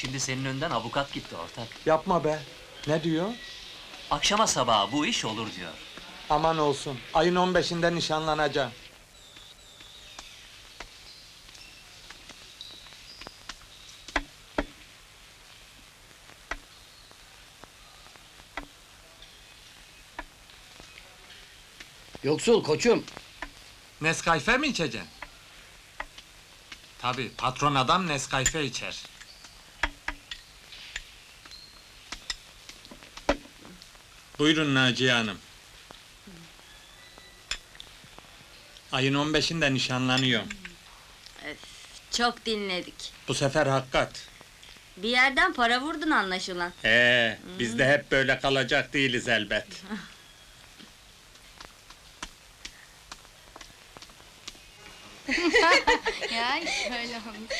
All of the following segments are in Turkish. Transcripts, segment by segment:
Şimdi senin önden avukat gitti ortak. Yapma be. Ne diyor? Akşama sabaha bu iş olur diyor. Aman olsun. Ayın 15'inde nişanlanacağım. Yoksul koçum. Nescafe mi içeceksin? Tabii, patron adam Nescafe içer. Buyurun Naciye Hanım. Ayın 15'inde nişanlanıyorum. Çok dinledik. Bu sefer hakikat. Bir yerden para vurdun anlaşılan. Biz de hep böyle kalacak değiliz elbet. Ya şöyle olmuş.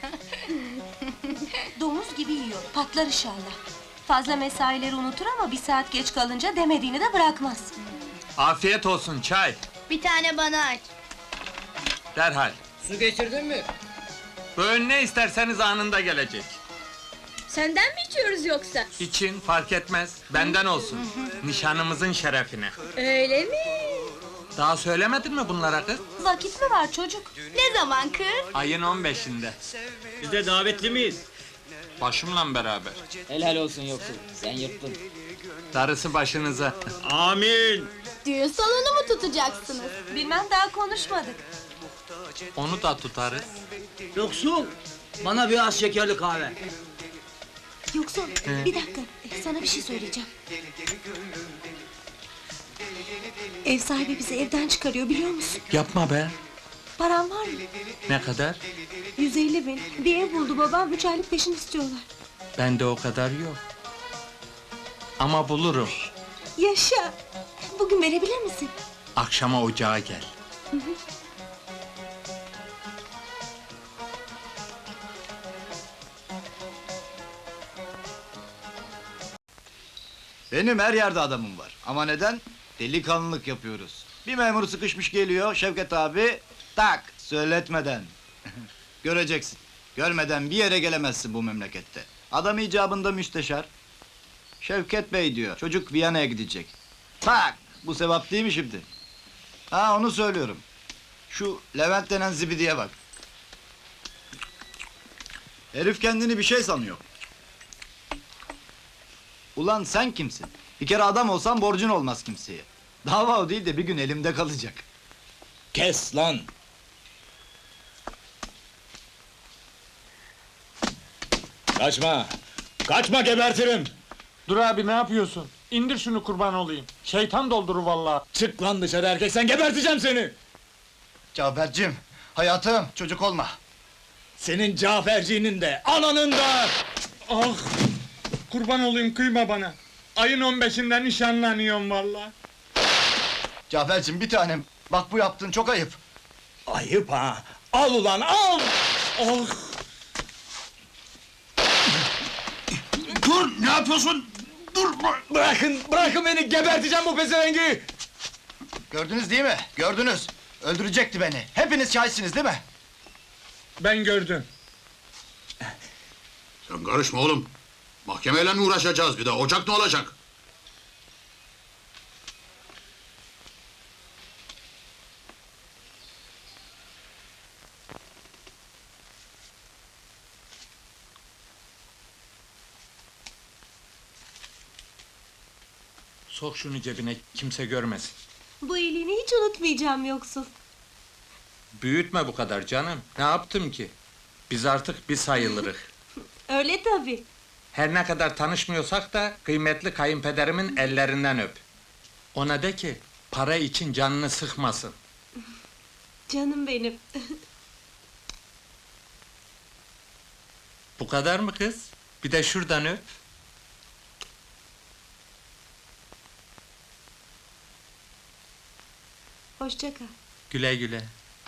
Domuz gibi yiyor, patlar inşallah. Fazla mesaileri unutur ama bir saat geç kalınca demediğini de bırakmaz. Afiyet olsun, çay. Bir tane bana aç. Derhal. Su getirdin mi? Böğün ne isterseniz anında gelecek. Senden mi içiyoruz yoksa? İçin fark etmez, benden olsun. Nişanımızın şerefine. Öyle mi? Daha söylemedin mi bunlara kız? Vakit mi var çocuk? Ne zaman kız? Ayın 15'inde. Biz de davetli miyiz? Başımla beraber. Helal olsun yoksul. Sen yırttın. Darısı başınıza. Amin. Düğün salonu mu tutacaksınız? Bilmem, daha konuşmadık. Onu da tutarız. Yoksul. Bana biraz şekerli kahve. Yoksa bir dakika, sana bir şey söyleyeceğim. Ev sahibi bizi evden çıkarıyor, biliyor musun? Yapma be. Param var mı? Ne kadar? 150 bin. Bir ev buldu babam, 3 aylık peşin istiyorlar. Bende o kadar yok. Ama bulurum. Yaşa! Bugün verebilir misin? Akşama ocağa gel. Benim her yerde adamım var. Ama neden? Delikanlılık yapıyoruz. Bir memur sıkışmış geliyor, Şevket abi, tak, söyletmeden. Göreceksin. Görmeden bir yere gelemezsin bu memlekette. Adam icabında müsteşar. Şevket Bey diyor, çocuk Viyana'ya gidecek. Tak, bu sevap değil mi şimdi? Ha, onu söylüyorum. Şu Levent denen zibidiye bak. Herif kendini bir şey sanıyor. Ulan sen kimsin? Bir kere adam olsan borcun olmaz kimseye. Dava o değil de bir gün elimde kalacak. Kes lan! Kaçma! Kaçma, gebertirim! Dur abi, ne yapıyorsun? İndir şunu, kurban olayım. Şeytan doldurur vallahi. Çık lan dışarı erkek, sen geberteceğim seni! Cafer'cim, hayatım, çocuk olma. Senin Caferciğinin de, ananın da! Ah! Kurban olayım, kıyma bana. Ayın 15'inde nişanlanıyorum vallahi. Cafer'cim bir tanem, bak bu yaptığın çok ayıp. Ayıp ha! Al ulan, al! Ah! Dur, ne yapıyorsun? Dur! Bırakın beni, geberteceğim bu pezevengi! Gördünüz değil mi? Gördünüz. Öldürecekti beni. Hepiniz şahitsiniz değil mi? Ben gördüm. Sen karışma oğlum. Mahkemeyle mi uğraşacağız bir de? Ocak ne olacak? Sok şunu cebine, kimse görmesin. Bu iyiliğini hiç unutmayacağım yoksul. Büyütme bu kadar canım. Ne yaptım ki? Biz artık bir sayılırız. Öyle tabii. Her ne kadar tanışmıyorsak da kıymetli kayınpederimin ellerinden öp. Ona de ki para için canını sıkmasın. Canım benim. Bu kadar mı kız? Bir de şuradan öp. Hoşça kal. Güle güle.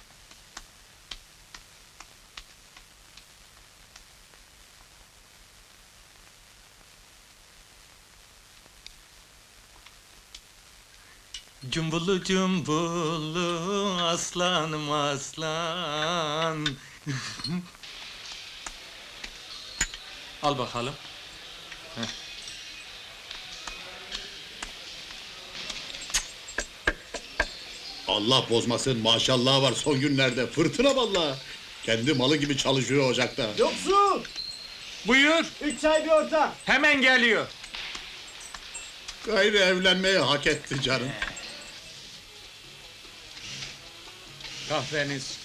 Cumbulu cumbulu aslanım aslan. Al bakalım. Allah bozmasın, maşallah var son günlerde. Fırtına vallahi. Kendi malı gibi çalışıyor ocakta. Yoksul! Buyur, 3 çay bir orta. hemen geliyor. Gayrı evlenmeyi hak etti canım. Kahveniz.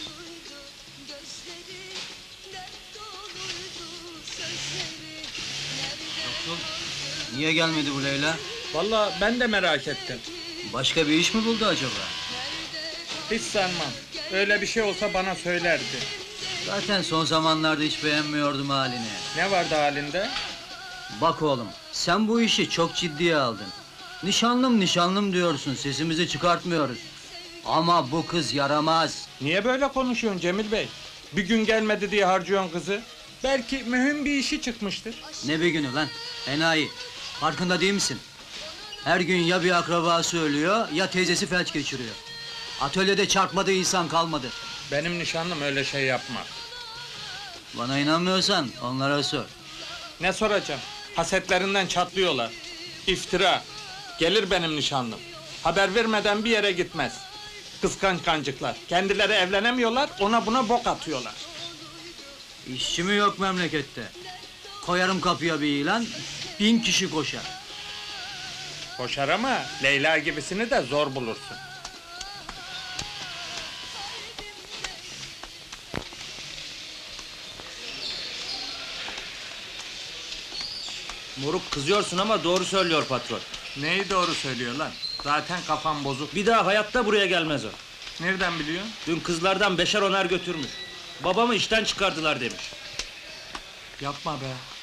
Niye gelmedi bu Leyla? Vallahi ben de merak ettim. Başka bir iş mi buldu acaba? Hiç sanmam. Öyle bir şey olsa bana söylerdi. Zaten son zamanlarda hiç beğenmiyordum halini. Ne vardı halinde? Bak oğlum, sen bu işi çok ciddiye aldın. Nişanlım nişanlım diyorsun, sesimizi çıkartmıyoruz. Ama bu kız yaramaz. Niye böyle konuşuyorsun Cemil Bey? Bir gün gelmedi diye harcıyorsun kızı. Belki mühim bir işi çıkmıştır. Ne bir günü lan, enayi. Farkında değil misin? Her gün ya bir akrabası ölüyor, ya teyzesi felç geçiriyor. Atölyede çarpmadığı insan kalmadı. Benim nişanlım öyle şey yapmaz. Bana inanmıyorsan onlara sor. Ne soracağım? Hasetlerinden çatlıyorlar. İftira. Gelir benim nişanlım. Haber vermeden bir yere gitmez. Kıskanç kancıklar. Kendileri evlenemiyorlar, ona buna bok atıyorlar. İşçi mi yok memlekette? Koyarım kapıya bir ilan, 1000 kişi koşar. Koşar ama Leyla gibisini de zor bulursun. Moruk kızıyorsun ama doğru söylüyor patron. Neyi doğru söylüyor lan? Zaten kafam bozuk. Bir daha hayatta buraya gelmez o. Nereden biliyorsun? Dün kızlardan 5'er 10'er götürmüş. Babamı işten çıkardılar demiş. Yapma be.